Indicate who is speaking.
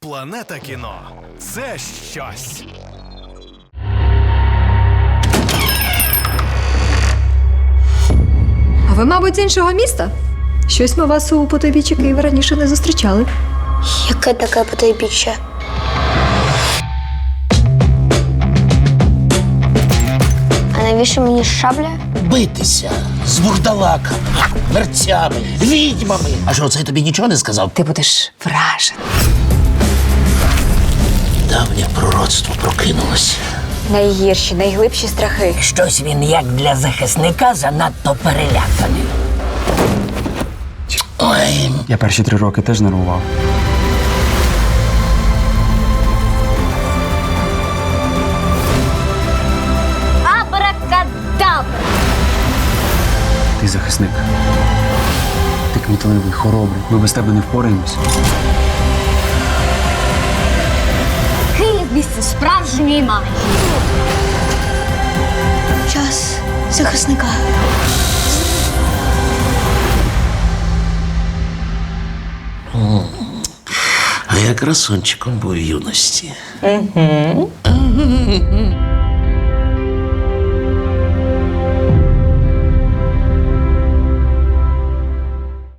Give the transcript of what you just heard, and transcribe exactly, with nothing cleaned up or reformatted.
Speaker 1: Планета кіно – це щось.
Speaker 2: А ви, мабуть, з іншого міста? Щось ми вас у потойбіччі Києва раніше не зустрічали.
Speaker 3: Яке таке потойбіччя? А навіщо мені шабля?
Speaker 4: Битися з бурдалаками, мерцями, відьмами. А що, це тобі нічого не сказав?
Speaker 2: Ти будеш вражений.
Speaker 4: Давнє пророцтво прокинулося.
Speaker 2: Найгірші, найглибші страхи.
Speaker 4: Щось він, як для захисника, занадто переляканий. Ой,
Speaker 5: Я перші три роки теж нервував.
Speaker 3: Абракадабра!
Speaker 5: Ти захисник. Ти кмітливий, хоробрий. Ми без тебе не впораємось.
Speaker 3: Київ – місце справжньої магії. Час захисника.
Speaker 4: а я красунчиком був в юності. Угу.